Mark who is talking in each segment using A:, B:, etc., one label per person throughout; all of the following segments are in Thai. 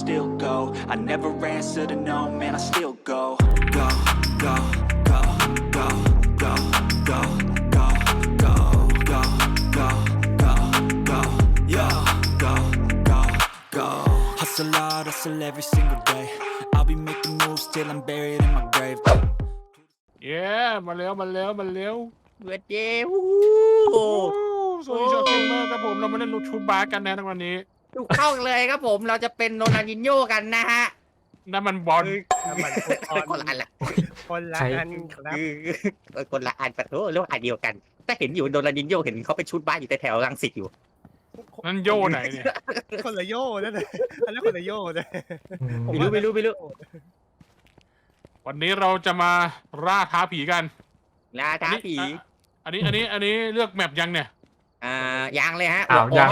A: still go. I never answer to no, man, I still go. Go, go, go, go, go, go, go, go, go, go, go, go, yo, go, go, go. Hustle hard, hustle every single day. I'll be making moves till I'm buried in my grave.
B: เย้มาแล้ว
C: เวทเย้วู้
B: สวัสดีชาวเกมเมอร์ครับผมเรามาเล่นลูกชูบาสกันนะในวันนี้
C: ถูกต้องเลยครับผมเราจะเป็นโรนัลดินโญ่กันนะฮะ
B: นั่นมันบอล
D: น้ำมัน
C: คนละอันละ
D: คนละอันครับ
C: คนละอันปะโถเรียกว่าอันเดียวกันแต่เห็นอยู่โรนัลดินโญ่เห็นเขาไปชุดบ้านอยู่แถวรังสิตอยู่
B: นั่นโย่ไหนเนี่ย
D: คนละโย่นั่นแหละอันนั้นคนละโย่เลย
C: ไม่รู้
B: วันนี้เราจะมาล่าท้าผีกัน
C: ลาท้าผี
B: อันนี้เลือกแมปยังเนี่ย
C: ยังเลยฮะ
E: อ้าวยัง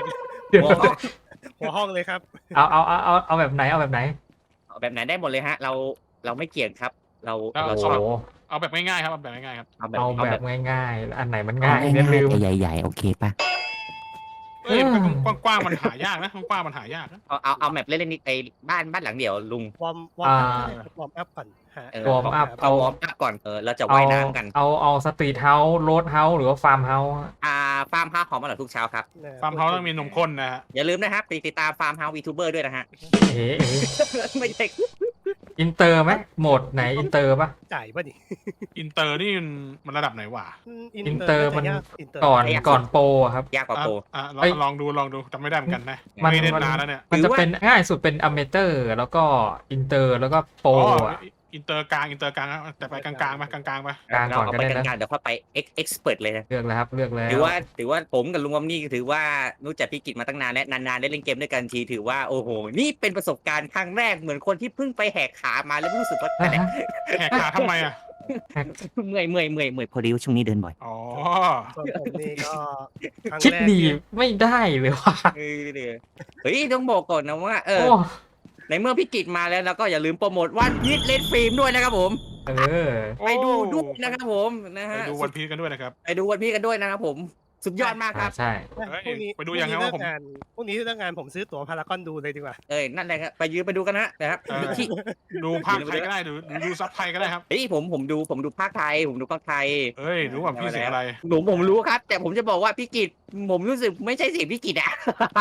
D: หัวห้องเลยครับ
E: เอาแบบไหนเอาแบบไหน
C: แบบไหนได้หมดเลยฮะ เราไม่เกี่ยงครับ เรา
E: โอ้
C: ชอบ
E: โห
B: เอาแบบง่ายๆครับเอาแบบง่ายๆครับ
C: เอาแบบ
E: เอา
C: เอา
E: แบ
C: แบบ บ
E: ง่ายๆอันไหนมันง่ายเนี่ยลืม
C: ใหญ่ๆโอเคป่ะ
B: เอ้ยกว้างๆมันหายากนะกว้างๆมันหายากนะ
C: เอาแบบเล่นๆนิดไอ้บ้านหลังเดียวลุง
D: วอร์มอัพก่อนฮะ
E: วอร์มอัพ
C: เอาวอร์มอัพก่อนเราจะว่ายน้ำกัน
E: เอาสตรีทเฮาส์โรดเฮาส์หรือว่าฟาร์มเฮาส์
C: ฟาร์มเฮาส์หอมอร่อยทุกเช้าครับ
B: ฟาร์มเฮาส์ต้องมีนมข้นนะฮะ
C: อย่าลืมนะครับติดตามฟาร์มเฮาส์วีทูเบอร์ด้วยนะฮะ
E: เอ๋
C: ไม่ใช่
E: อินเตอร์ไหมโหมดไหนอินเตอร์ปะ
D: จ่ายป่ะนี่
B: อินเตอร์นี่มันระดับไหนวะ
E: อินเตอร์มัน
D: อินเตอร์
E: ก่อนโปรอะครับ
C: ยากกว่าโปร
B: ลองดูจำไม่ได้เหมือนกันนะ
E: มัน
B: ไม่ได้นานแล้วเนี่ย
E: มันจะเป็นง่ายสุดเป็นอเมเตอร์แล้วก็อินเตอร์แล้วก็โปร อะ
B: อินเตอร์กลางแต่ไปกลางๆมากลางๆไป
E: กลาง
C: เรา
E: ก่อน
C: เอา
E: ก็
C: ไป
E: ได้
C: ก
E: นะ
C: ลางๆเดี๋ยวค่อยไปเอ็กซ์เพรสเลยนะ
E: เลือกแล้วครับเลือกแล้ว
C: ถือว่าผมกับลุงวอมนี่ถือว่ารู้จักพี่กิจมาตั้งนานและนานๆได้เล่นเกมด้วยกันทีถือว่าโอ้โหนี่เป็นประสบการณ์ครั้งแรกเหมือนคนที่เพิ่งไปแหกขามาแล้วรู้สึกว่า
E: อ่ะฮะ
B: แหกขาทำไมอ่ะ
C: เมื่อยพอดีช่วงนี้เดินบ่อย
B: อ๋อ
D: ส่วนผมนี่ก็ครั้ง
E: คิด
D: แรก
E: ดีไม่ได้เลยว่ะ
C: เฮ้ยต้องบอกก่อนนะว่า
E: โอ้
C: ในเมื่อพี่กิจมาแล้วเราก็อย่าลืมโปรโมทวันพีชเลนฟิล์มด้วยนะครับผม ไปดูด้วยนะครับผมนะ
B: ไป
C: ฮะ
B: ดูวันพีชกันด้วยนะครับ
C: ไปดูวันพีชกันด้วยนะครับผมสุดยอดมากครับ
E: ใช่
D: พรุ่งนี้
B: ไปดูยังไงว่าผม
D: พรุ่งนี้เลิกงานผมซื้อตั๋วพารากอนดูเลยดีกว่า
C: นั่นแหละครับไปดูกันนะครับ ที่
B: ดูภาคไทยก็ได้ดูซับไทยก็ได้ครับ
C: เฮ้ยผมดูภาคไทยผมดูภาคไทย
B: เฮ้ยรู้ว่าพี่เสียงอะไร
C: ผมรู้ครับ แต่ผมจะบอกว่าพี่กิจผมรู้สึกไม่ใช่เสียงพี่กิจอะ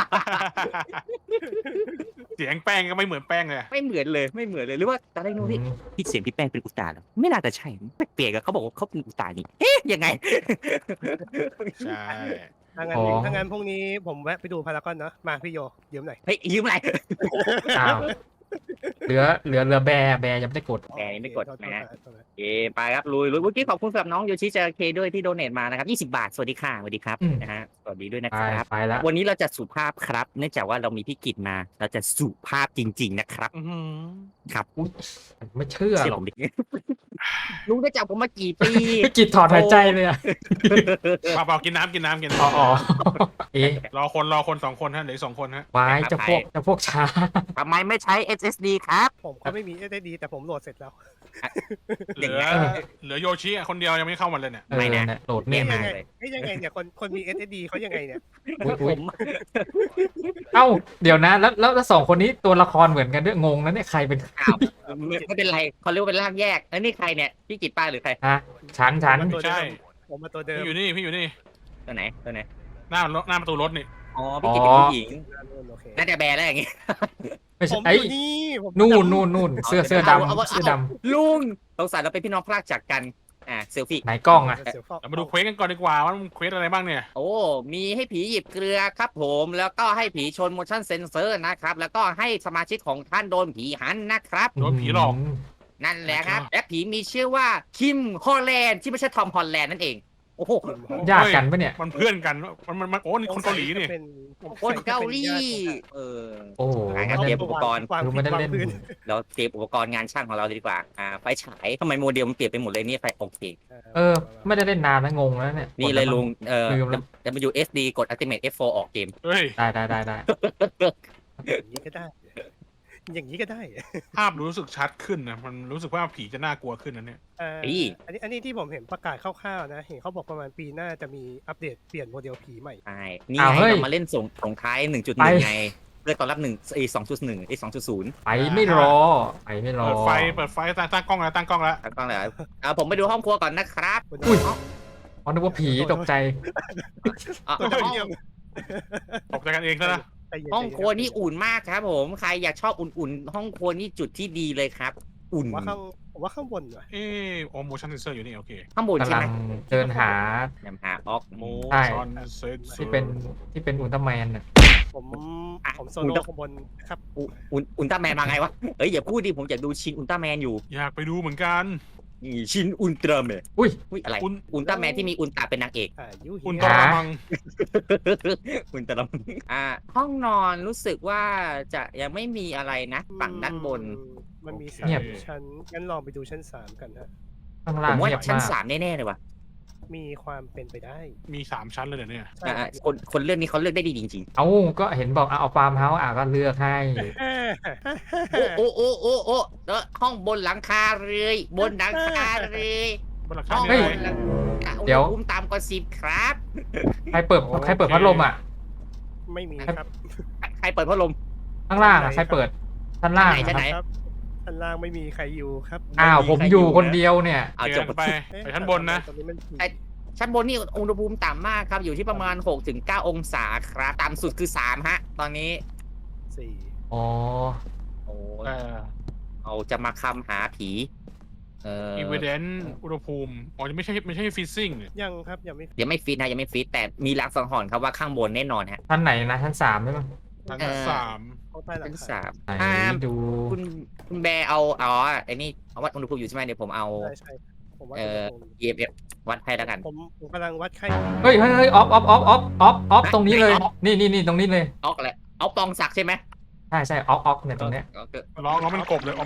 B: เสียงแป้งก็ไม่เหมือนแป้งเลย
C: ไม่เหมือนเลยหรือว่าตอนแรกนึกว่าพี่เสียงพี่แป้งเป็นอุตส่าห์เหรอไม่น่าจะใช่แปลกๆอะเขาบอกว่าเขาเป็นอุตส่าห์นี่เอ๊ะยังไง
B: ใช่
D: ถ้างั้นพรุ่งนี้ผมแวะไปดูพารากอนเนาะมาพี่โยยืมหน่อย
C: เฮ้ยยืมอะไร
E: อ้าวเหลือแบร์ยังไม่ได้กด
C: แกนี่ไม่กดนะไปครับลุยเมื่อกี้ขอบคุณสำหรับน้องโยชิเจเคด้วยที่โดเนทมานะครับ20 บาทสวัสดีค่ะสวัสดีครับนะฮะสวัสดีด้วยนะครับ
E: ไปแล้ว
C: วันนี้เราจะสุภาพครับ เนื่องจากว่าเรามีพี่กิจมาเราจะสุภาพจริง ๆ นะครับ ครับ
E: อุ๊ยไม่เชื่อ
C: เชื่อ
E: หรอ
C: ผ
E: ก
C: มดิลุงได้จับผมมากี่ปี
E: พี่กิจถอนหายใจเลยอะ
B: เปล่ากินน้ำ
E: อ๋อเอ๊ะ
B: รอคน2 คนฮะเหลือ2 คนฮะ
E: วายจะพวกช้า
C: ทำไมไม่ใช้ SSD ครับ
D: ผมก็ไม่มีSSDแต่ผมโหลดเสร็จแล้ว
B: เหลือโยชิคนเดียวยังไม่เข้ามาเลยเนี่ย
C: ไม่นะ
E: โหลดเนี่ย
C: ไม่
E: มา
C: เลย
D: ยังไงเนี่ยคนมี SSD เขายังไงเนี่ย
E: อุ๊ย
C: ผม
E: เอ้าเดี๋ยวนะแล้วสองคนนี้ตัวละครเหมือนกันด้วยงงนะเนี่ยใครเป็น
C: อ้าวไม่เป็นไรเขาเรียกว่าเป็นร่างแยกแล้วนี่ใครเนี่ยพี่กิจป้าหรือใคร
E: ฮะฉัน
B: ไม่ใช่
D: ผมมาตัวเดิม
B: พี่อยู่นี่
C: ตัวไหน
B: หน้าประตูรถนี่
C: อ๋อพี่กิจเป็นผู้หญิง
D: โอเค
C: น่าจะแบร์แล้วอย่างงี้
E: ไม่
D: ผ
E: ใช่
D: ม
E: ไอ้
D: อยู่นี่ผม
E: นู่นเสื้อดำ
C: ลุงสงสัยเราเป็นพี่น้องพลากจากกันเซลฟี่
E: ไหนกล้องอะ
B: เรามาดูเควสกันก่อนดีกว่าว่ามันเควสอะไรบ้างเนี่ย
C: โอ้มีให้ผีหยิบเกลือครับผมแล้วก็ให้ผีชน motion sensor นะครับแล้วก็ให้สมาชิกของท่านโดนผีหันนะครับ
B: โดนผีหลอก
C: นั่นแหละครับและผีมีชื่อว่าคิมฮอลแลนด์ที่ไม่ใช่ทอมฮอลแลนด์นั่นเองโอ้โห
E: ยากกันปะเนี่ย
B: มันเพื่อนกันมันโอ้นี่คนเกาหลีนี่
C: คนเกาหลี
E: โอ้โห
C: งั้นเตรียมอุปกรณ์
E: คือไม่ได้เล่น
C: เราเตรียมอุปกรณ์งานช่างของเราเลยดีกว่าไฟฉายทำไมโมเดลมันเปลี่ยนไปหมดเลยนี่ไฟโอเค
E: ไม่ได้เล่นนานนะงงแล้วเนี่ย
C: นี่เลยลุง
E: ลืมแล้ว
C: WSD กด Ultimate F4 ออกเกม
B: เฮ้ย
E: ได้
D: อย่างนี้ก็ได้ อย่างนี้ก็ได้
B: ภาพรู้สึกชัดขึ้นนะมันรู้สึกว่าผีจะน่ากลัวขึ้นนะเนี่ย
D: อันนี้ที่ผมเห็นประกาศคร่าวๆนะเห็นเขาบอกประมาณปีหน้าจะมีอัปเดตเปลี่ยนโมเดลผีใหม่
C: ใช่นี่ไงเรามาเล่นส่งท้าย 1.1 ไงเลือกตอนรับ2.1 2.0
E: ไปไม่รอไปไม่รอ
B: เปิดไฟตั้งกล้องแล้วตั้งกล้องแล้ว
C: ตั้งเลยผมไปดูห้องครัวก่อนนะครับ
E: อุ้ยอ๋อนึกว่าผีตกใจ
C: อ่ะ
D: ตัว
C: ห้อง
D: เดียว
B: ตกใจกันเองซะนะ
D: ใจเย็น
C: ห้องครัวนี่อุ่นมากครับผมใครอยากชอบอุ่นๆห้องครัวนี่จุดที่ดีเลยครับ อุ่น
D: ผมว่าข้างบนว่ะ
B: โอโมชั่นเซนเซอร์อยู่นี่โอเค
C: ข้างบนใช่
E: กำลั
C: ไหม
E: งเดินหา
C: นำหาออกโม
E: ใช่
B: ชั่นเซนเซอร์
E: ที่เป็นอุลตร้าแมนน่ะ
D: ผมโซโล่ข้างบนครับ
C: อุลตร้าแมนมาไงวะเอ้ยอย่าพูดดิผมอยากดูชินอุลตร้าแมนอยู่
B: อยากไปดูเหมือนกัน
C: นี่ชินอุลตร้าแมน
E: อุ้ย
C: อุ้ยอะไร
B: อุล
C: อุลตร้าแมนที่มีอุลตร้าเป็นนางเอก
D: ยู
B: อุล
D: เฮี
B: ต
D: ย
B: ร้ามัง
C: อุลตร้าห้องนอนรู้สึกว่าจะยังไม่มีอะไรนะฝั่งด้านบน
D: มันมี
E: เงียบ
D: 3ชั้นงั้นลองไปดูชั้น3กันฮะ
E: ข้าง
C: ผ
E: ล่าง
C: มว่า
E: เงียบ
C: ชั้น
E: มาก
C: 3แน่ๆเลยว่ะ
D: มีความเป็นไปได้
B: มี3ชั้นเลยเดี๋ยวนี้
D: ใช่
C: คนเลือกนี้เขาเลือกได้ดีจริง
E: เอ้าก็เห็นบอกเอาฟาร์มเฮาส์ก็เลือกให้
C: ๆ โอ้แล้วห้องบนหลังคาเลยบนหลังคาเลย
B: บนหลัง
C: ห้
B: คา
C: อง
B: มี
C: บ
B: อะไร
C: นหลังคา
E: เดี๋ยว
C: อุณหภูมิต่ำกว่า10ครับ
E: ใครเปิดพัดลมอ่ะ
D: ไม่มีครับ
C: ใครเปิดพัดลม
E: ข้างล่างอ่ะใครเปิดชั้นล่าง
C: ชั้นไหน
E: ครับ
D: ชั้นล่างไม่มีใครอยู่ครับ
E: อ้าวผมอยู่คนเดียวเนี่ย
C: เอา
B: เจ
C: จ
B: อบ กันไปไปชั้นบนนะ
D: ตรงนี้มัน
C: ชั้นบนนี่อุณหภูมิต่ำมากครับ อยู่ที่ประมาณ 6-9 องศาครับ ต่ำสุดคือ 3 ฮะ ตอนนี้
D: 4
E: อ๋อ
C: โอ้
B: เออ
C: เอาจะมาคำหาผี
B: อีเวนต์อุณหภูมิอ๋อยังไม่ใช่ฟิซซิ่ง
D: ยังครับยังไม่
C: ยังไม่ฟิตนะยังไม่ฟิตแต่มีลางสังหรณ์ครับว่าข้างบนแน่นอนฮะ
E: ชั้นไหนนะชั้น3ใช่ไหม
B: ชั้นสาม
D: เข้าใต้หลัง
C: ชั้น
D: คา
C: สาม
E: ไหนดู
C: คุณแบร์เอาไอ้นี่เอาวัดอุณหภูมิอยู่ใช่ไหมเดี๋ยวผมเอา
D: ใช่ผมว่า
C: EMF วัดให้แล้วกัน
D: ผมกำลังวัดไข้
E: เฮ้ยออฟตรงนี้เลยนี่ตรงนี้เลย
C: ออกแหละเอาปองศักดิ์ใช่ไหม
E: ใช่ออกเนี่ยตรงเนี้ย
B: ร้องมันกบเลยออก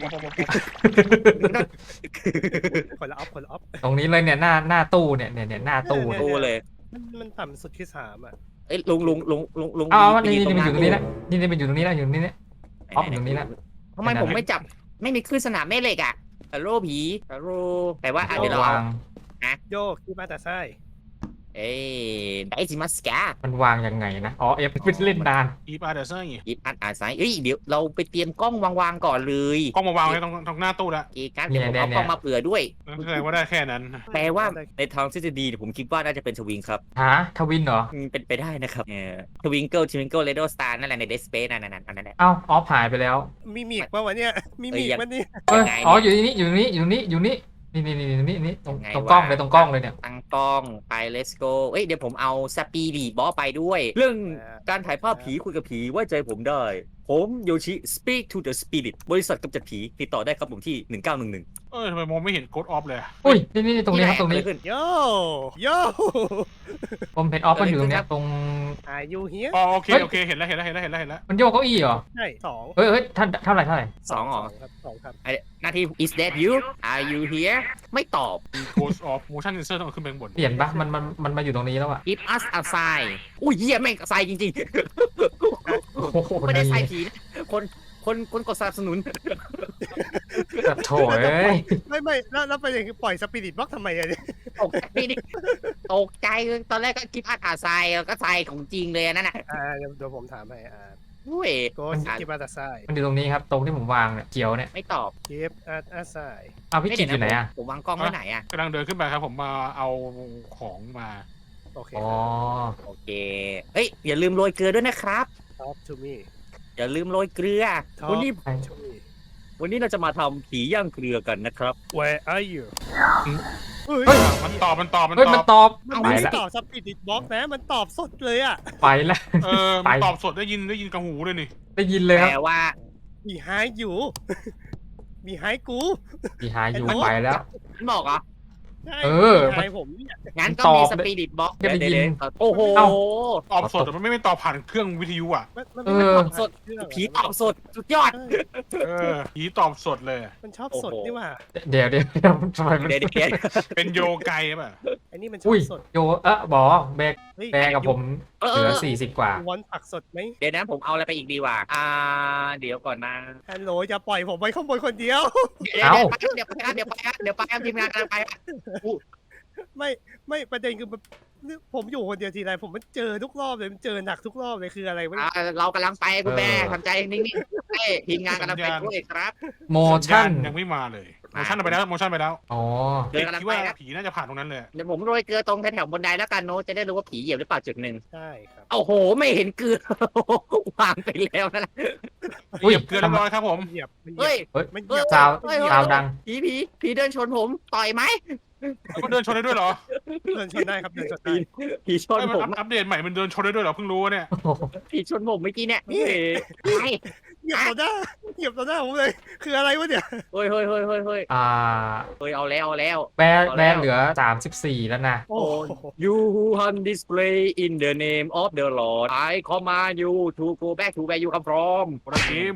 D: คนละออฟ
E: ตรงนี้เลยเนี่ยหน้าตู้เนี่ยหน้าตู้
C: ตู้เลย
D: มันต่ำสุดที่3อ่ะ
C: เอ้ยลุง
E: อ้าว
C: ไป
E: นี่
C: ยื
E: มันอยู่ตรงนี้
C: ห
E: แล้วนี่มันอยู่ตรงนี้แล้วอยู่ตรงนี้เนี่ย ออฟอยู่ตรงนี้นะ
C: ทำไมผมไม่จับไม่มีคลื่นสนามแม่เหล็กอ่ะฮัลโหลผีฮัลโหลแต่ว่าเดี๋ยวเรา
E: วา
C: เอา
E: ง
D: โยกที่มาแต่ไส้
C: เอ้ยได้สิมัสกา
E: มันวางยังไงนะอ๋อเอฟเป็นเล่นนาน
B: อีปาเดอร์เซอร์
C: หยิบอัดอาศัยเอ้ยเดี๋ยวเราไปเตรียมกล้องวางก่อนเลย
B: กล้องมาวางไว้ตรงหน้าตู้ละ
C: เอการเดี๋ยวผมเอากล้องมาเผื่อด้วย
B: แสดงว่าได้แค่นั้น
C: แปลว่าในทางทฤษฎีผมคิดว่าน่าจะเป็นสวิงครับ
E: หาทวินเหรอ
C: เป็นไปได้นะครับทวิงเกิลเรดโอสตาร์นั่นแหละในเดสเปซนั่นอันนั้นแหละ
E: เอ้าออฟหายไปแล้ว
D: มีมีกป่าวะเนี่ยมีมีกมันนี่
E: เอ้ย
C: ยังไงเนี่ย
E: อ๋ออยู่นี่นี่ตรงกล้องเลยตรงกล้องเลยเนี่ย
C: ตั้งกล้องไป let's go เอ้ยเดี๋ยวผมเอาสปีดีบอสไปด้วย เรื่องการถ่ายภาพผีคุยกับผีไว้ใจผมได้ ผมโยชิ speak to the spirit บริษัทกำจัดผีติดต่อได้ครับผมที่ 1911
B: ทำไมมองไม่เห็นโกดออฟเลย
E: อุ้ยนี่ตรงนี้ครับตรงนี้
C: ขึ้น
D: โยโย
E: ผมเห็นออฟมันอยู่ตรงเนี้ยตรง
D: อายุเฮีย
B: อ๋อโอเคเห็นแล้ว
E: มันโยกเก้าอี้เหรอ
D: ใช่2
E: เฮ้ยท่านเท่าไหร่
C: สองอ๋อ
D: ครับ2ครับ
C: หน้าที่ is that you are you here ไม่ตอบ
B: โกดออฟโมชั่นเซนเซอร์ต้องขึ้นไปข้างบน
E: เปลี่ยนปะมันมาอยู่ตรงนี้แล้วอะ
C: give us a sign อุ้ยเหี้ยแม่ง sign จริง
E: โอ้โห
C: ๆ ไม่ได้ sign ผีนะคนกดสนับสนุน
E: แบบโถเอ้ย
D: ไม่แล้วไปอย่างปล่อยสปิริตบล็อกทำไมอะเนี่ย
C: ตกใจดิตกใจตอนแรกก็คิดอาทรายก็ทรายของจริงเลยนั่นน่ะ
D: เดี๋ยวผมถามให้
C: อุ้ย
D: โกสกิบมาแต่ไส้
E: มันอยู่ตรงนี้ครับตรงที่ผมวางเนี่ยเขียวเนี่ย
C: ไม่ตอบ
D: กิฟอาไส้
E: เอาพี่กิจอยู่ไหนอะ
C: ผมวางกล้องไว้ไหนอ่ะ
B: กำลังเดินขึ้นไปครับผมมาเอาของมา
D: โอเค
E: อ๋อ
C: โอเคเฮ้ยอย่าลืมโรยเกลือด้วยนะครับ
D: Talk to me
C: อย่าลืมโรยเกลือ วันนี้
D: Talk to me
C: วันนี้เราจะมาทำผีย่างเกลือกันนะครับ
D: Where are you เฮ้ย
B: มันตอบ
E: เฮ้ยมันตอบ
D: มัน
E: ไป
D: ไม่ได้
E: ละ
D: ตอบสปิริตบล็อกนะมันตอบสดเลยอ่ะ
E: ไปละ
B: มันตอบสดได้ยินกับหูเลยนี่
E: ได้ยินเลยครับ
C: แปลว่า
D: มีไฮอยู่ มีไฮกู
E: พี่หายอยู่ไปแล้ว
C: มันบอกเหรอ
D: ใช่
E: เออ
D: มีไฮผมเนี่ย
C: งั้นก็
E: ตอบ
C: มีสปิริตบ็อก
E: ได้ยิน
C: โอ้โห
E: เอ้า
B: ตอบสดแต่มันไม่ตอบผ่านเครื่องวิทยุอ่ะ
D: มัน
E: เอ
D: ไม่
E: อ
D: ตอบ
C: สด
D: เครื่อง
C: ผีตอบสดสุดยอด
B: ผีตอบสดเลย
D: มันชอบสดนี่หว่า
E: เดี๋ยวทำไมมัน
C: เดี๋ยว
B: เป็นโยไกป่ะ
D: อันนี้มันชอ
E: อุ้ย
D: บสด
E: โยบอแบก
D: เฮ้ย
E: กับผมเหลือ40 กว่า
D: วอนผักสดไหม
C: เดี๋ยวนะผมเอาอะไรไปอีกดีวะเดี๋ยวก่อนนะ
D: ฮัลโหลอย่าปล่อยผมไว้ข้างบนคนเดียว
C: เดี๋ยวไปทีมงานกำลังไป
D: ไม่ประเด็นคือผมอยู่คนเดียวทีไรผมมันเจอทุกรอบเลยมันเจอหนักทุกรอบเลยคืออะไรวะเนี่ย
C: เรากำลังไปคุณแม่ทำใจนิ่งๆให้ทีมงานกำลังไปด้วยครับ
E: โมชั่น
B: ยังไม่มาเลยโมชั่นไปแล้วโมชั่นไปแล้ว
E: อ๋อ
C: เดินกำลัง
B: คิด
C: ไป
B: ว่า
C: ครับ
B: ผีน่าจะผ่านตรงนั้นเลย
C: เดี๋ยวผมโรยเกลือตรงแถวๆบนไดแล้วกันโน้ตจะได้รู้ว่าผีเหยียบหรือเปล่าจุดหนึ่ง
D: ใช่ครับ
C: โอ้โหไม่เห็นเกลือ วางไปแล้วนะ
E: อุ้ย
B: เหยียบเกลือเรียบร้อยครับผม
D: เหยียบมันเหยี
C: เฮ้
D: ย
C: ย
D: บ
E: เฮ้ย
D: มันเหยียบ
E: ซาว
C: เฮ้ย
E: ซาวดัง
C: ผีเดินชนผมต่อยไหม
B: ก็เดินชนได้ด้วยเหรอ
D: เดินชนได้ครับเดินชนได้
C: ผีชน
B: เอ้ยมัน
C: ผม
B: อัปเดตใหม่มันเดินชนได้ด้วยเหรอเพิ่งรู้เนี่ย
E: โอ้โห
C: ผีชนผมเมื่อกี้เนี่ย
D: นี่
C: เฮ้ย
D: เหยียบต่อหน้าเหยียบต่อหน้าผมเลยคืออะไรวะเนี่ย
C: เฮ้ยเฮ้ยเฮ้ยเฮ้ยเฮ้ย
E: อ่า
C: เอาแล้วเอาแล้ว
E: แบร์เหลือ 34 แล้วนะ
D: โอ้โห
C: You who hunt display in the name of the Lord I command you to go back to where you come from
B: โปรทีม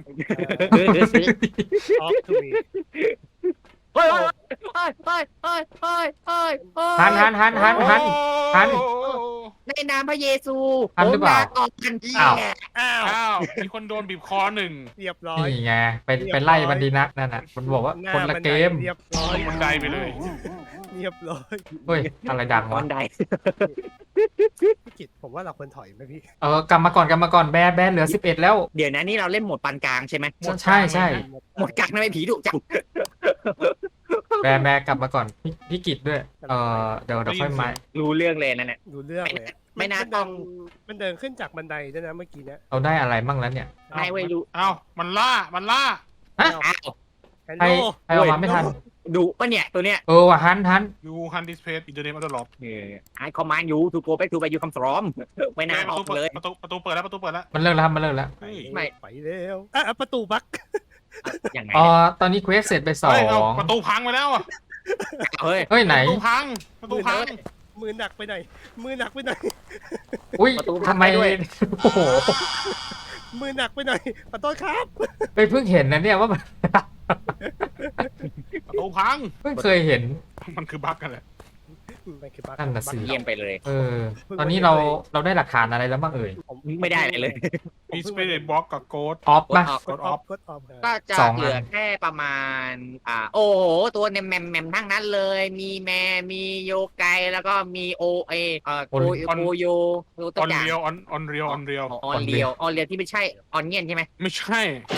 D: ออฟทูวี
C: เฮ้ยเฮ้ยเฮ้ยเฮ้ยเฮ้ยเฮ้ยเฮ้ย
E: หัน หัน
C: ในนามพระเยซู
E: หันหรือเปล่า
C: ผมลออกกัน
E: อ้าว
D: อ้าว
B: อ้าวมีคนโดนบีบคอหนึ่ง
D: เรียบร้อย
E: นี่ไงไปไล่มันดีนักนั่นน่ะมันบอกว่า
D: หน้า
E: คนละเกม
D: เรียบร้อย
B: บันไดไปเลย
D: เรียบร้อย
E: เฮ้ย อะไรดัง
C: บั
E: วะ
C: นได
D: พี่กิตผมว่าเราควรถอยไหมพี่
E: กลับมาก่อนแบร์เหลือ 11 แล้ว
C: เดี๋ยวนะนี่เราเล่นโหมดปานกลางใช่ไหม
E: ใช่
C: โหมดกลางทำไมผีดุจัง
E: แบร์กลับมาก่อนพี่กิจด้วย เดี๋ยวค่อยมา
C: รู้เรื่องเลยนั่นแหละ
D: ดูเรื่องเลยอะ
C: ไม่น่า
D: เดิ
C: ต้อง
D: มันเดินขึ้นจากบันไดด้วยนะเมื่อกี้เนี่ย
E: เราได้อะไรมั่งแล้วเนี่ย
C: ไม่ไว้รู้
B: อ้าวมันล่า
C: อ้าว
D: ฮัล
E: ใคร
D: โหล
E: ใครออกมาไม่ทัน
C: ดุปะเนี่ยตัวเนี้ย
E: ว่ะหัน
B: ยูฮันดิสเพย์อินเทอร์เน็ตอัลลอด
C: ไอคอมมานยูทูโกไปทูไปยูคัมฟรอมไม่น่าออกเลย
B: ประตูเปิดแล้ว
E: มันเลิกแล้วครับมันเลิกแล้ว
B: เฮ้ย
C: ไม่
D: ไปแล้วประตูบั๊ก
C: อย่างไง
E: ตอนนี้เควสเสร็จไปสอ
B: เฮ้ยเอา
E: ง
B: ประตูพังไปแล้วอ่ะ
C: เฮ้ย
E: เฮ้ยไหน
B: ประตูพัง
D: มือหนักไปหน่อยมือหนักไปหน่อย
E: อุ้ย
C: ประตูพั
E: ทำ
C: ง
E: ไม
C: ไปด้วย
E: โอ้โห
D: มือหนักไปหน่อยขอโทษครับ
E: ไปเพิ่งเห็นนะเนี่ยว่ามัน
B: ประตูพัง
E: เพิ่งเคยเห็น
B: มันคือบั๊กกันแหละ
D: มันคือบั๊ก
E: นั่นน่ะสิ
C: เยี่ยมไปเลย
E: ตอนนี้เราได้หลักฐานอะไรแล้วบ้างเอ่ย
C: ไม่ได้เลย
B: มีสเปรย์บล็อกกับโกด
E: ออฟป่ะ
D: กดออฟกดออฟ
C: ก็จะ
E: สองอัน
C: เหลือแค่ประมาณโอ้โหตัวเนี่ยแมมทั้งนั้นเลย มีแมมีโยไกแล้วก็มีโอโยตัว
B: ออน
C: อย่าง
B: เรียวออนเรียว
C: ออนเรียวที่ไม่ใช่ออนเงียนใช่ไหม
B: ไม่ใช่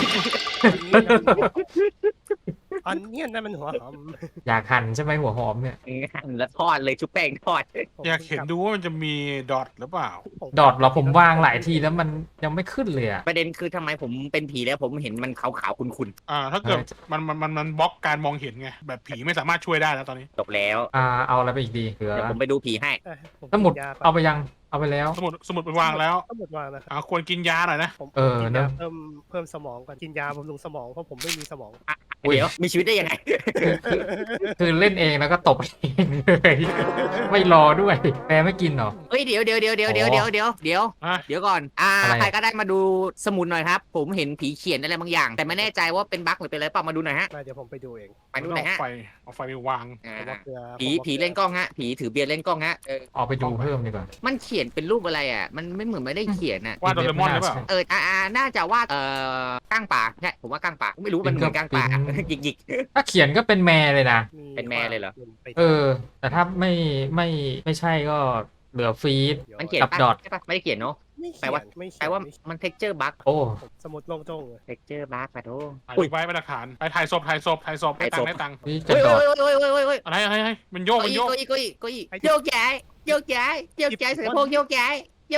D: อันเนี้ยนั่นมันหัวหอม
E: อยากหั่นใช่ไหมหัวหอมเนี่ย
C: แล้วทอดเลยชุบแป้งทอด
B: อยากเห็นดูว่ามันจะมีดอทหรือเปล่า
E: ดอทเราผมวางหลายทีแล้วมันยังไม่ขึ้นเลยอะ
C: ประเด็นคือทำไมผมเป็นผีแล้วผมเห็นมันขาวๆคุณ
B: ถ้าเกิดมันบล็อกการมองเห็นไงแบบผีไม่สามารถช่วยได้แล้วตอนนี้
C: ๆจบแล้ว
E: เอาอะไรไปอีกดีเหลือ
C: เดี๋ยวผมไปดูผีให้
E: สมุดเอาไปยังเอาไปแล้ว
B: สมุดไปวางแล้ว
D: สมุดวางนะครับ
B: ควรกินยาหน่อยนะ
D: ผม
E: เออ
D: กิน
E: เน
D: ยา
E: อะ
D: เพิ่มสมองก่อนกินยาบำรุงสมองเพราะผมไม่มีสมอง
E: อุ๊ย
C: เดี๋ยวมีชีวิตได้ยังไง
E: คือเล่นเองแล้วก็ตบเองเลยไม่รอด้วยแปรไม่กินเหรอ
C: เฮ้ยเดี๋ยวก่อน
E: อะไร
C: ใครก็ได้มาดูสมุดหน่อยครับ ผมเห็นผีเขียนอะไรบางอย่าง แต่ไม่แน่ใจว่าเป็นบั๊กหรือเป็นอะไรเปล่ามาดูหน่อยฮะ
D: เดี๋ยวผมไปดูเอง
C: ไปดูหน่อยฮะ
B: เอาไฟไปวาง
D: ผมว่าเกลือ
C: ผีเล่นกล้องฮะผีถือเบียร์เล่นกล้องฮะ
E: ออกไปดูเพิ่มดีกว่า
C: มันเขียนเป็นรูปอะไรอ่ะมันไม่เหมือนไม่ได้เขียนอ่ะ
B: ว่าโดเรมอนหรือเปล่า
C: น่าจะว่าก้างป่าใช่ผมว่าก้างป่าไม่รู้มันเหมือนก้างป่าหยิก
E: ถ้าเขียนก็เป็นแม่เลยนะ
C: เป็นแม่เลยเหรอ
E: แต่ถ้าไม่ใช่ก็เหลือฟีด
C: ๆมันเขียน
E: กับดอท
C: ใช่ปะไม่ได้เขียนเนาะ แปลว่า
D: ไม่
C: แปลว่ามันเท็กเจอร์บั๊ก
E: โอ้
D: สมุดลงตรงเลย
C: เท็กเจอร์บั๊กปะโถ
B: ถ่ายไว้เป็นหลักฐานไปถ่ายศพได้ตังค์
E: นี่จะ
C: เฮ้ย
E: ดอท
C: เฮ้ย
B: อะไรมันโยก
C: โยกย้ายเสือโพกโยกย้าย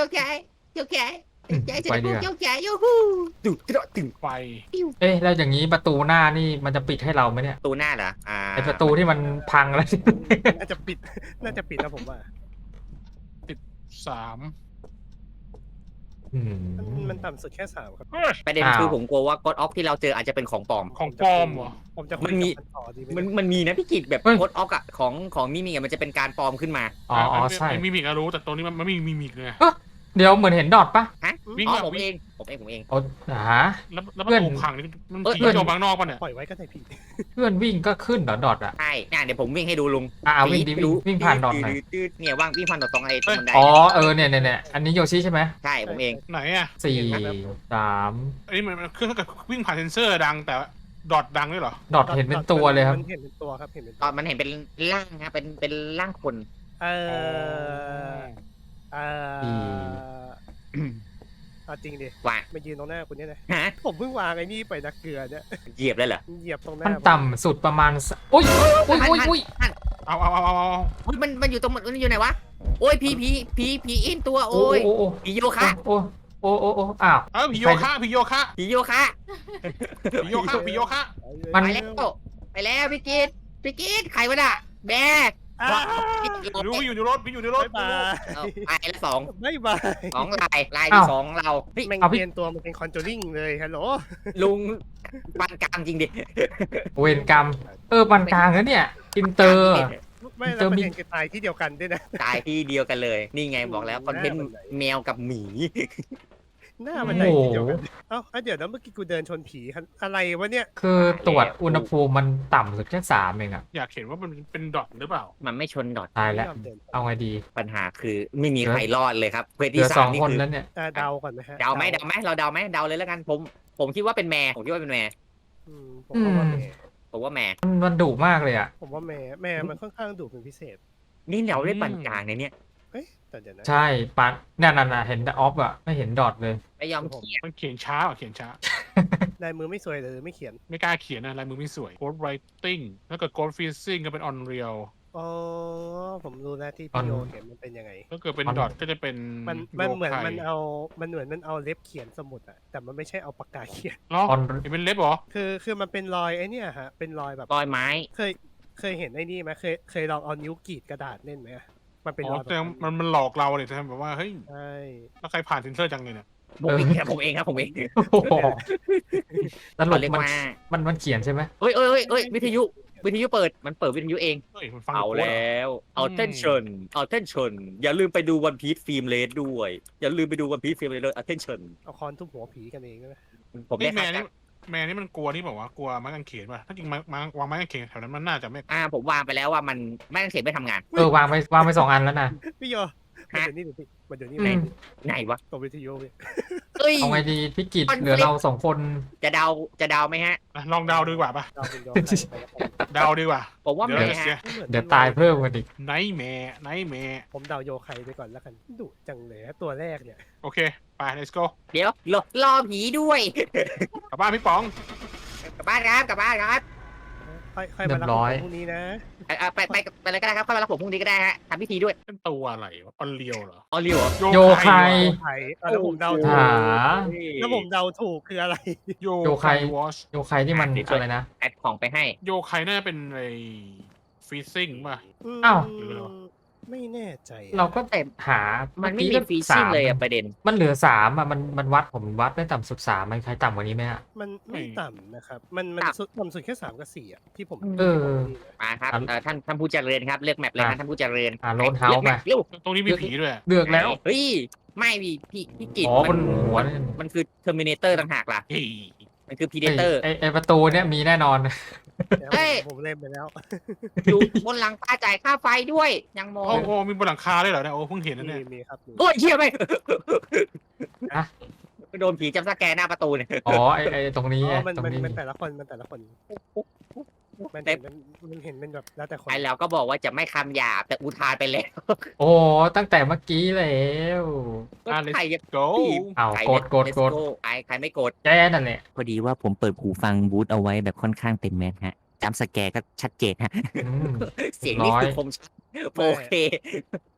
C: เสือโพกโยกย้ายยูฮูตึง
B: ไฟ
E: เอ๊ะแล้วอย่างนี้ประตูหน้านี่มันจะปิดให้เราไหมเนี่ย
C: ตูหน้าเหรอ
E: ไอประตูที่มันพังแล้ว
D: น่าจะปิดแล้วผมว่า
B: 3
D: มันต่ำสุดแค่3ครับ
C: ประเด็นคือผมกลัวว่ากดออฟที่เราเจออาจจะเป็นของปลอม
B: ของปลอมเหรอ
D: ผมจะคุยกับมันต่อดีไหม
C: มันมีนะพี่กิจแบบกดออฟอะของมิมิมันจะเป็นการปลอมขึ้นมา
E: อ๋อใช่
B: มีมิกรู้แต่ตรงนี้มันไม่มีมิมิกเลย
E: เดี๋ยวเหมือนเห็นดอทปะ
C: ฮะ
B: วิ่ง
C: อ๋อ
B: แบบ
C: ผมเอง
E: โอ้ฮะ
B: แล้วประตูพังนี่มันผีโยกบางนอกป่ะเนี่ย
D: ปล่อยไว้ก็ได้พี่
E: เพื่อนวิ่งก็ขึ้นเหรอดอทอ่ะ
C: ใช่เดี๋ยวผมวิ่งให้ดูลุง
E: วิ่งดิวิ่งผ่านดอทหน่อย
C: เนี่ยว่างวิ่งผ่านดอทตรงไอ้ตรงบันได
E: เนี่ยอันนี้โยชิใช่ไหม
C: ใช่ผมเอง
B: ไหนอ่ะ
E: 4 3
B: อันนี้มันคือถ้าเกิดวิ่งผ่านเซนเซอร์ดังแต่ดอทดังด้วยเหรอ
E: ดอทเห็นเป็นตัวเลยครับ
D: มันเห็นเป็นตัวครับเห็นเป็น
C: ต
D: ตั
C: อ
D: วน
C: มันเห็นเป็นร่างครับเป็นร่างคน
D: เออเอาจริงดิ
C: ว่า
D: มายืนตรงหน้าคุณเนี่ยนะ
C: ฮะ
D: ผมเพิ่งวางไอ้นี่ไปนักเกลือเนี่ย
C: เหยียบเลยเหรอ
D: เหยียบตรงหน้า
E: มันต่ำสุดประมาณอุ้ยอุ้ยอุ้ยอุ้ย
B: เอา
C: อุ๊ยมันอยู่ตรงมันอยู่ไหนวะโอ้ยผีอินตัว
E: โอ้
C: โอ้ย
E: โอ้โอ้
C: ผีโยคะ
E: โอ้โอ้โอ้โอ้อ้าว
B: เออผีโยคะผีโยคะ
C: ผีโยคะ
B: ผีโยคะผีโยคะ
E: มัน
C: ไปแล้วพี่กิตใครวะน่ะแบก
D: อ้าว
B: รู้อยู่ในรถพี่อยู่ในรถ
D: บ๊ายบาย
C: เอาไปแล้วสอง
D: บ๊ายบาย
C: ลายที่สองเราเฮ้ย
D: แม่ง
E: เอาพี่
D: เปลี่ยนตัวมันเป็นคอนจูริงเลยฮัลโหล
C: ลุงปานกลางจริงดิ
E: เวรกรรมปันกลางแล้วเนี่ยอินเตอร์
D: ไม่แล้วประเด็นคือตายที่เดียวกันด้วยนะ
C: ตายที่เดียวกันเลย นี่ไงบอกแล้วคอนเทนต์แมวกับหมี
D: หน้ามันไหนที่เดียวกันเอ้าเดี๋ยวนะเมื่อกี้กูเดินชนผีอะไรวะเนี่ย
E: คือตรวจอุณหภูมิมันต่ำสุดแค่3เองอะ
B: อยากเห็นว่ามันเป็นดอทหรือเปล่า
C: มันไม่ชนดอท
E: ตายแล้ว
D: ไม่ยอมเดิน
E: เอาไงดี
C: ปัญหาคือไม่มีใครรอดเลยครับเควส
E: เหลื
C: ที่
E: อ
C: สา
E: สอ
C: ม
E: ง
C: นี่
E: คน
C: คือ
E: แล้วเนี่ย
D: เดาก่อนไหมฮะ
C: เดาไหมเราเดาไหมเดาเลยแล้วกันผมคิดว่าเป็นแม่ผมคิดว่าเป็นแม่
D: ผมว่าแม่
C: ผมว่าแม่
E: มันดุมากเลยอะ
D: ผมว่าแม่มันค่อนข้างดุเป็นพิเศษ
C: นี่เราได้ปานกลางในเนี่ย
D: เอ้ยแต่เดี๋ยวนะ
E: ใช่ปันนั่นเห็นออฟอะไม่เห็นดอทเลย
C: ไม่ยอมเขียน
B: มันเขียนช้าเขียนช้า
D: ลายมือไม่สวยเลยไม่เขียน
B: ไม่กล้าเขียนนะลายมือไม่สวย Code Writing แล้วก็ Code Freezing ก็เป็น Unreal
D: อ๋อผมรู้แล้วที่พี่โยเขียนมันเป็นยังไง
B: ถ้าเกิดเป็นดอทก็จะเป็น
D: มันเหมือน
B: โยไค
D: มันเอาเล็บเขียนสมุดอะแต่มันไม่ใช่เอาปากกาเขียน
B: เนาะ
E: ออน
B: เห็นเป็นเล็บเหรอ
D: คือมันเป็นรอยไอ้เนี่ยฮะเป็นรอยแบบ
C: รอยไม้
D: เคยเห็นไอ้นี่ไหมเคยลองเอานิ้วกรีดกระดาษเล่นไหมอะมันเป็น
B: อ๋
D: ร
B: อ
D: อยแบบ
B: แต่
D: นั้น
B: มันหลอกเราเลยใช่ไหมแบบว่าเฮ้ย
D: ใช่
B: แล้วใครผ่านเซนเซอร์จังเลยเนี่ย
C: ผมเองครับผมเอง
E: โอ้โหสรุ
C: เขา
E: ป
C: เรียก
E: มัน
C: ว่า
E: มันเขียนใช่ไหม
C: เอ้ยวิทยุเปิดมันเปิดวิทยุเอง
B: เฮ้ยมันฟัง
C: เอา
B: โค้ดเหรอ
C: แล้วattention อย่าลืมไปดูวันพีซฟิล์มเลสด้วยอย่าลืมไปดูวันพีซฟิล์มเลส attention
D: เอาคอนทุบหัวผีกันเองนะ
C: ผม
B: นี่
C: ได้
B: แม่
C: ครับ
B: นี่แม่นี่มันกลัวนี่บอกว่ากลัวไม้กางเขนป่ะถ้าจริงวางไม้กางเขนแถวนั้นมันน่าจะไม่
C: ผมวางไปแล้วว่ามันไม่ต้องเขียนไม่ทำงาน
E: วางไป2 อันแล้วนะ
D: พี่โยมา
C: ฮะ
D: เดี๋ยวนี้พี่มาเดี๋ยวนี้
E: อืม
C: ไหนวะ
D: ตัววิทยุพี่
C: เอ้ย
E: เอาไงดีพี่กิจ
C: มัน
E: เหลือเรา2 คน
C: จะเดาไหมฮะ
B: ลองเดาดูดีกว่าป่ะ
D: เราเป็นยอมใครไปแล้วกัน
B: เดาดีกว่า
C: ผมว่า
B: เดี๋ยว
C: ไม่
B: เราจะเสีย
C: ฮะ
E: เดี๋ยวตายเพิ่มกันอีก
B: ไนท์แม่
D: ผมเดาโยไคไปก่อนแล้วกันดุจังเลยฮะตัวแรกเนี่ย
B: โอเคไป let's go
C: เดี๋ยวรอผีด้วย
B: กลับบ้านพี่ป๋อง
C: กลับบ้านครับ
D: ค่อยมารับผมพรุ่งนี้นะ
C: ไปเลยก็ได้ครับค่อยมารับผมพรุ่งนี้ก็ได้ฮะทำพิธีด้วย
B: เป็นตัวอะไรวะออนเรียวเหรอ
C: อ๋อเรียวเหรอ
E: โยไค
D: ไคแล้วผมเดาถู
E: หาก
D: แล้วผมเดาถูกคืออะไร
B: โย
E: โยไค
B: วอช
E: โยใครที่มันอะไรนะ
C: แอดของไปให้
B: โยไคน่าจะเป็นไอ้ฟีซิ่งป่ะ
E: อ้าว
B: หรืออะไรวะ
D: ไม่แน่ใจ
E: เราก็
C: แต่
E: หา
C: มันไม่
E: เอ
C: มี
E: กี้
C: ฟรีซิ่ง
E: 3
C: เลยอะประเด็น
E: มันเหลือ3อะมันวัดผมวัดได้ต่ำสุด3มันใครต่ำกว่านี้ไหมฮะ
D: มันไม่ต่ำนะครับ มันต่ำสุดแค่3 กับ 4อ่ะที่ผม
E: เออ
C: มาครับท่านผู้เจริญครับเลือกแมปเลยนะท่านผู้เจริญ
E: โรนเฮาส์
C: แม
E: มา
C: ปเร็ว
B: ตรงนี้มีผีด้วย
E: เลือกแล้ว
C: เฮ้ยไม่พี่กิจ
E: อ๋อบนหัวเนี่ย
C: มันคือเทอร์มินเตอร์ต่างหากล่ะ
B: เฮ้ย
C: มันคือพีเดเตอร์
E: ไอประตูเนี่ยมีแน่นอน
C: เฮ้ย
D: ผมเล่นไปแล้ว
C: อยู่บนหลังคาจ่ายค่าไฟด้วยยังมอ
B: โอ้
C: ง
B: โหมีบนหลังคาด้วยเหรอเนี่ยโอ้เพิ่งเห็นนะเนี่ย
D: มีครับ
C: โอ้ยเชี่ยไหม
E: ฮะ
C: โดนผีจับสแกนหน้าประตูเนี่ย
E: อ๋อไอตรงนี้ไง
D: มัน
E: ตรงนี้
D: มันแต่ละคนมันเห็นเป็นแบบแล้วแต่คน
C: ไอเราก็บอกว่าจะไม่คำหยาบแต่อุทานไปแล้ว
E: โอ้ตั้งแต่เมื่อกี้แล้ว
B: อ่ะ
C: ใครจะ
B: let's go
E: เอา
C: ใคร
E: กด
C: ใครไม่กด
E: แกนั่นแหละ
C: พอดีว่าผมเปิดหูฟังบูธเอาไว้แบบค่อนข้างเต็มแมสฮะจำสแกร์ก็ชัดเจนฮะ
E: อืม
C: เสียงนี่คือคมชัดโอเค